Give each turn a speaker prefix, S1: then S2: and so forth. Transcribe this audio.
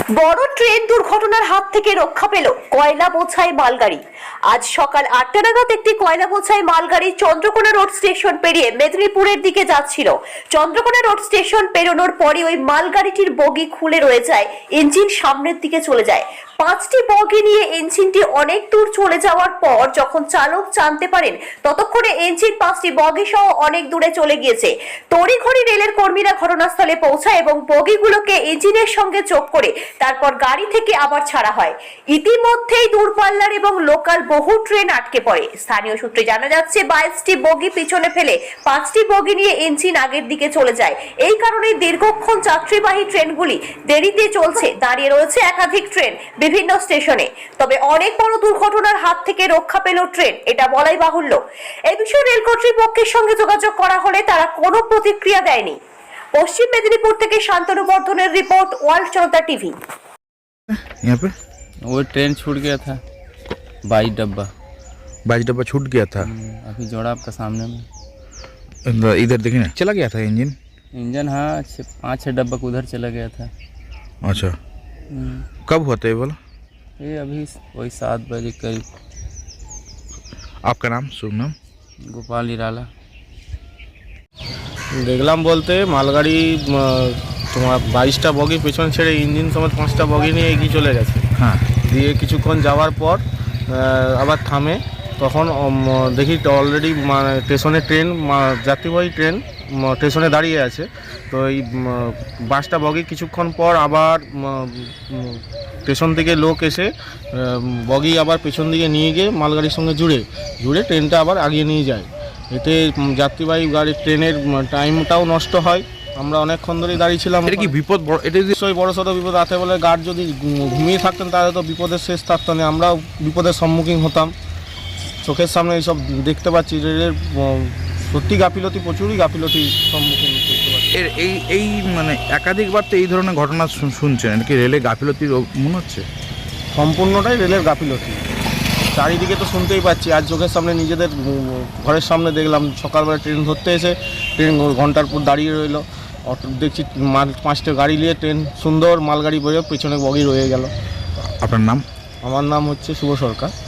S1: বড় ট্রেন দুর্ঘটনার হাত থেকে রক্ষা পেল কয়লা বোঝাই মালগাড়ি। আজ সকাল 8টা নাগাদ একটি কয়লা বোঝাই মালগাড়ি চন্দ্রকোনা রোড স্টেশন পেরিয়ে মেদিনীপুরের দিকে যাচ্ছিল। চন্দ্রকোনা রোড স্টেশন পেরোনোর পরে ওই মালগাড়িটির বগি খুলে রয়ে যায়, ইঞ্জিন সামনের দিকে চলে যায়। 5টি বগি নিয়ে ইঞ্জিনটি অনেক দূর চলে যাওয়ার পর যখন চালক জানতে পারেন ততক্ষণে ইঞ্জিন 5টি বগি সহ অনেক দূরে চলে গিয়েছে। তড়িঘড়ি রেলের কর্মীরা ঘটনাস্থলে পৌঁছায় এবং বগিগুলোকে ইঞ্জিনের সঙ্গে যোগ করে তারপর গাড়ি থেকে আবার ছাড়া হয়। ইতিমধ্যেই দূরপাল্লার এবং লোকাল বহু ট্রেন আটকে পড়ে। স্থানীয় সূত্রে জানা যাচ্ছে 22টি বগি পিছনে ফেলে 5টি বগি নিয়ে ইঞ্জিন আগের দিকে চলে যায়। এই কারণে দীর্ঘক্ষণ যাত্রীবাহী ট্রেনগুলি দেরিতে চলছে। দাঁড়িয়ে রয়েছে একাধিক ট্রেন বিভিন্ন স্টেশনে। তবে অনেক বড় দুর্ঘটনার হাত থেকে রক্ষা পেল ট্রেন, এটা বলাই বাহুল্য। এই বিষয়ে রেল কর্তৃপক্ষের সঙ্গে যোগাযোগ করা হলে তারা কোনো প্রতিক্রিয়া দেয়নি। পশ্চিম মেদিনীপুর থেকে শান্তনু বর্ধনের রিपोर्ट, वर्ल्ड जनता टीवी।
S2: यहाँ पे
S3: वो ट्रेन छूट गया था, 22 डब्बा
S2: छूट गया था।
S3: अभी जोड़ा आपका सामने में
S2: इधर देखिए ना, चला गया था इंजन।
S3: इंजन। हाँ, 5-6 डब्बा उधर चला गया था।
S2: अच्छा, कब हुआ था ये बोला?
S3: ये अभी वही 7 बजे करीब।
S2: आपका नाम, शुभ नाम?
S3: गोपाल इराला।
S4: দেখলাম বলতে মালগাড়ি তোমার 22টা বগি পেছন ছেড়ে ইঞ্জিন সমেত 5টা বগি নিয়ে এগিয়ে চলে গেছে।
S2: হ্যাঁ,
S4: দিয়ে কিছুক্ষণ যাওয়ার পর আবার থামে। তখন দেখি অলরেডি স্টেশনে ট্রেন, যাত্রীবাহী ট্রেন স্টেশনে দাঁড়িয়ে আছে। তো এই বাসটা বগি কিছুক্ষণ পর আবার স্টেশন থেকে লোক এসে বগি আবার পেছন দিকে নিয়ে গিয়ে মালগাড়ির সঙ্গে জুড়ে ট্রেনটা আবার আগিয়ে নিয়ে যায়। এতে যাত্রীবাহী গাড়ির ট্রেনের টাইমটাও নষ্ট হয়। আমরা অনেকক্ষণ ধরেই দাঁড়িয়েছিলাম।
S2: এটা কি বিপদ? এটা
S4: নিশ্চয়ই বড় সড়ো বিপদ। রাতে বলে গার্ড যদি ঘুমিয়ে থাকতেন তাহলে তো বিপদের শেষ থাকতো না, আমরাও বিপদের সম্মুখীন হতাম। চোখের সামনে এইসব দেখতে পাচ্ছি। রেলের সত্যি গাফিলতি, প্রচুরই গাফিলতি সম্মুখীন দেখতে পাচ্ছি।
S2: এই মানে একাধিকবার তো এই ধরনের ঘটনা শুনছেন, এটা কি রেলে গাফিলতির মনে হচ্ছে?
S4: সম্পূর্ণটাই রেলের গাফিলতি। চারিদিকে তো শুনতেই পাচ্ছি। আজ চোখের সামনে নিজেদের ঘরের সামনে দেখলাম, সকালবেলা ট্রেন ধরতে এসে ট্রেন ঘন্টার পর দাঁড়িয়ে রইলো। অটো দেখছি 5টা গাড়ি নিয়ে ট্রেন, সুন্দর মালগাড়ি বেরোয়, পেছনে বগি রয়ে গেল।
S2: আপনার নাম?
S4: আমার নাম হচ্ছে শুভ সরকার।